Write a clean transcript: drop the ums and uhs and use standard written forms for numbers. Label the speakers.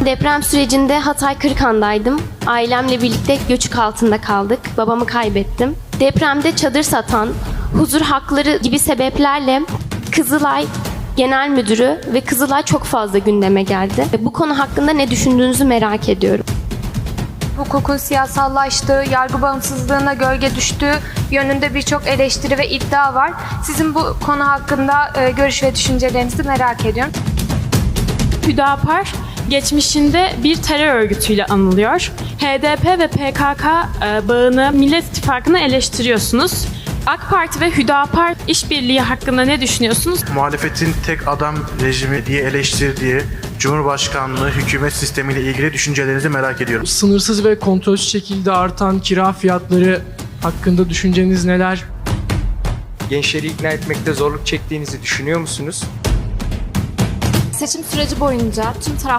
Speaker 1: deprem sürecinde Hatay Kırıkhan'daydım. Ailemle birlikte göçük altında kaldık. Babamı kaybettim. Depremde çadır satan, huzur hakları gibi sebeplerle Kızılay Genel Müdürü ve Kızılay çok fazla gündeme geldi. Bu konu hakkında ne düşündüğünüzü merak ediyorum.
Speaker 2: Hukukun siyasallaştığı, yargı bağımsızlığına gölge düştüğü yönünde birçok eleştiri ve iddia var. Sizin bu konu hakkında görüş ve düşüncelerinizi merak ediyorum.
Speaker 3: Hüdapar geçmişinde bir terör örgütüyle anılıyor. HDP ve PKK bağını Millet İttifakı'na eleştiriyorsunuz. AK Parti ve Hüdapar işbirliği hakkında ne düşünüyorsunuz?
Speaker 4: Muhalefetin tek adam rejimi diye eleştirdiği Cumhurbaşkanlığı hükümet sistemiyle ilgili düşüncelerinizi merak ediyorum.
Speaker 5: Sınırsız ve kontrolsüz şekilde artan kira fiyatları hakkında düşünceniz neler?
Speaker 6: Gençleri ikna etmekte zorluk çektiğinizi düşünüyor musunuz?
Speaker 7: Seçim süreci boyunca tüm